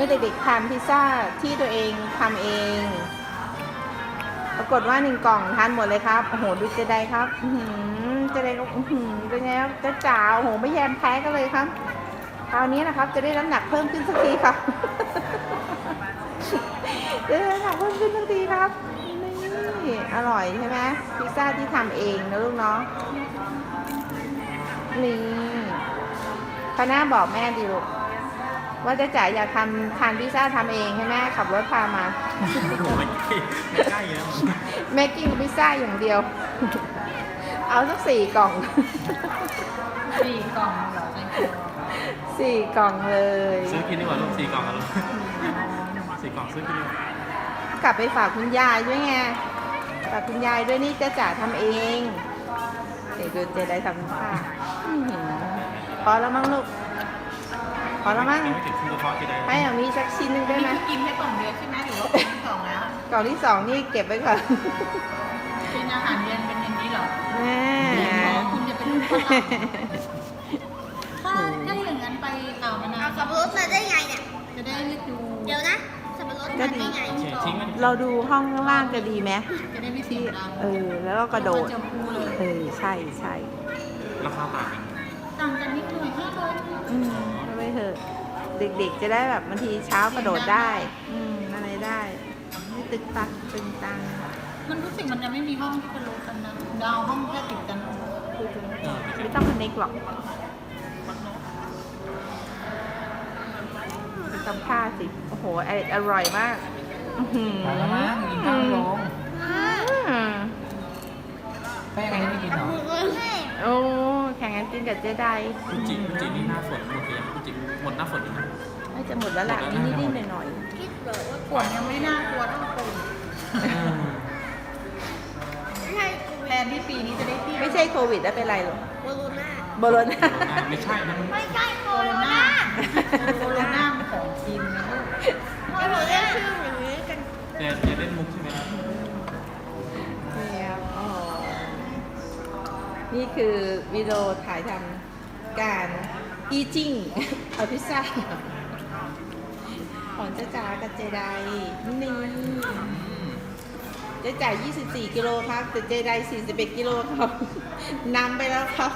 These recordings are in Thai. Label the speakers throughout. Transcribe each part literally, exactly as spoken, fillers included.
Speaker 1: มื่อเด็กๆทานพิซซ่าที่ตัวเองทำเอง ปรากฏว่าหนึ่งกล่องทานหมดเลยครับโอ้โหดูเจไดครับเจไดก็เป็นไงครับจะจ๋าโอ้โหไม่แยมแพ้กันเลยครับคราวนี้นะครับจะได้น้ำหนักเพิ่มขึ้นสักทีครับจะได้น้ำหนักเพิ่มขึ้นสักทีครับนี่อร่อยใช่ไหมพิซซ่าที่ทำเองนะลูกเนาะนี่คณะบอกแม่ดิลูกว่าจะจ๋าอยากทำทานพิซซ่าทำเองให้แม่ขับรถพามา
Speaker 2: ไม่ใกล้แล้ว
Speaker 1: แม่กินพิซซ่าอย่างเดียวเอาสักสี่กล่อง
Speaker 3: สี่กล่องเหรอ
Speaker 1: สี่กล่องเลย
Speaker 2: ซื้อกินดีกว่าลูกสี่กล่องกันลูกสี่กล่องซื้อกินดีกว่
Speaker 1: ากลับไปฝากคุณยายด้วยไงฝากคุณยายด้วยนี่จะจ๋าทำเองเดี๋ยวดูเจได้ทำค่ะพอแล้วมั้งลูกพอแล้วมั้งให้เอามีสักชิ้นหนึ่งได้ไหม
Speaker 3: กินแค่กล่องเดียวใช่ไหมหรือว่ากล่องที่สองแล้ว
Speaker 1: กล่องที่สองนี่เก็บไว้ก่อน
Speaker 3: เป็นอาหารเย็นเป็นอย่างนี้เหรอ
Speaker 1: แม่
Speaker 3: คุณจะเป็นลูกค้าถ้าถ้าอย่างนั้นไปอ่าวมะนาว
Speaker 4: สับปะรดมาได้ไงเนี่ย
Speaker 3: จะได้ไม่ดู
Speaker 4: เดี๋ยวนะสับปะรดมาได้ไง
Speaker 1: เราดูห้องข้างล่างจะดีไหม
Speaker 3: จะได้ไม่เสียงดัง
Speaker 1: เออแล้วก็กระโดดเออใช่ใช่
Speaker 2: ราคาต่างกัน
Speaker 3: ต่างกันนิดหน่อยห้าร้อย
Speaker 1: อืมไม่เถอะเด็กๆจะได้แบบบางทีเช้ากระโดดได้อืมอะไรได้ไม่ตึกตักตึงตัง
Speaker 3: มันรู้สึกมันจะไม่มีห้องที่เป็นโลกันนะดาวห้องแค่ติดกัน
Speaker 1: ไม่ต้องคอนเนคหรอกจำค่าสิโอ้โหอร่อยมาก
Speaker 3: ไปแล้วมั้งกินข้าวลงไปยังไงไม่กินหรอ
Speaker 1: โอ้แข่งกันกินกับเจได
Speaker 2: จริงจริงนี่หน้าฝนหมดเลยจริงหมดหน้าฝนนะ
Speaker 1: น่าจะหมดแล้วแหละนิดนิดหน่อยหน่อย
Speaker 3: ฝนยังไม่น่ากลัวเท่าโควิดแทนที่ปีนี้จะได้ที่
Speaker 1: ไม่ใช่โควิดแล้วเป็นไรหรอ
Speaker 4: โบโลนา
Speaker 1: โบโลนา
Speaker 2: ไม่ใช่นะ
Speaker 4: ไม่ใช่โบโลนา
Speaker 3: โบโลนาเป็นของจีนนะ
Speaker 4: ไม่รู้เรียกชื่ออย่างนี้กัน
Speaker 2: แต่จะเล่นมุกใช่ไหม
Speaker 1: เนี่ยอ๋อนี่คือวิดีโอถ่ายทำการ eating เอาพิซซ่าของเจ๊จ๋ากับเจไดนี่เจ๊จ๋ายี่สิบสี่กิโลครับแต่เจไดสี่สิบเอ็ดกิโลครับนำไปแล้วครับ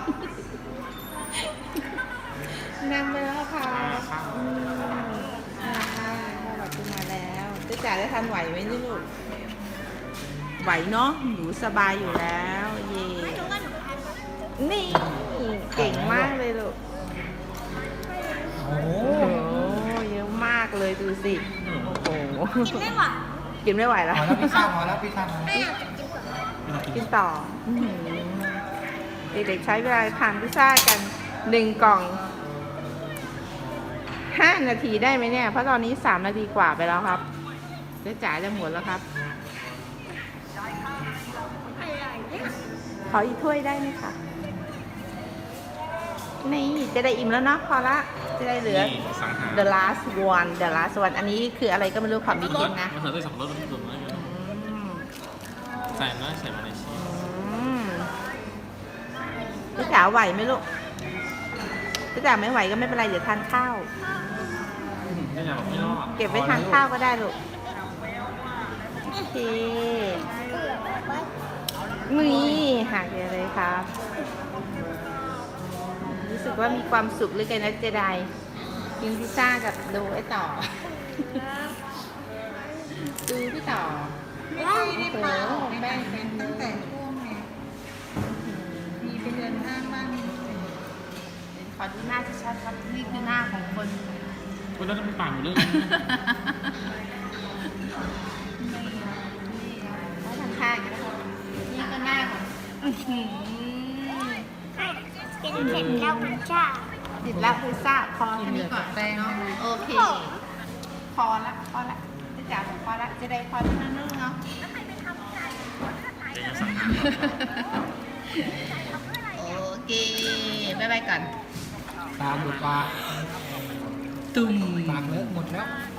Speaker 1: นำไปแล้วค่ะอืมอ่าพ่อหลับขึ้นมาแล้วเจ๊จ๋าได้ทันไหวไหมนี่ลูกไหวเนาะหนูสบายอยู่แล้วเย่นี่เก่งมากเลยลูก
Speaker 2: โอ้
Speaker 1: โหเยอะมากเลยดูสิโอ้โห
Speaker 4: กินไม่ไหว
Speaker 1: กินไม่ไหวแล้ว
Speaker 2: พอแล้วพิซซ่าพอแล้วพิซซ่า
Speaker 1: กินต่อเด็กๆใช้เวลาทานพิซซ่ากันหนึ่งกล่องห้านาทีได้ไหมเนี่ยเพราะตอนนี้สามนาทีกว่าไปแล้วครับเจ๊จ๋าจะหมดแล้วครับขออีกถ้วยได้ไหมคะนี่จะได้อิ่มแล้วเนาะพอละจะได้เหลือ the last one the last one อันนี้คืออะไรก็ไม่รู้ขอมีกินนะ
Speaker 2: มันใส่สับปะรดมันสุดเลยใส่นะใส่มาในชีส
Speaker 1: พี่จ๋าไหวไหมลูกพี่จ๋าไม่ไหวก็ไม่เป็นไรเดี๋ยวทานข้าวเก็บไว้ทานข้าวก็ได้ลูกโอเคมือหักเลยครับรู้สึกว่ามีความสุขเลยกันนะเจไดกินพิซซ่ากับดูไอ้ต่อดูพี่ต่อ
Speaker 3: ไม่ได้พาออกไปเป็นตั้งแต่ช่วงไงมีไปเดินห้างบ้าง
Speaker 1: ขอดูหน้าชัดๆครับนี่คือหน้าของคน
Speaker 2: คนนั้นมันปากหมดเลย
Speaker 1: แล้วทางข้างนี่ก็หน้าของ
Speaker 4: กินเสร็จแล้วพิซซ่า
Speaker 1: ติดแล้วพิซซ่าพอ
Speaker 3: แค่นี้ก่อนแป้ง
Speaker 1: โอเคพอละพอละจะจ่ายพอละจะได้พอที่นั่นนึงเนาะโอเคบ๊ายบายก่อน
Speaker 2: ตาบุดปาก
Speaker 1: ตุ่ม
Speaker 2: ปากเลอะหมดแล้ว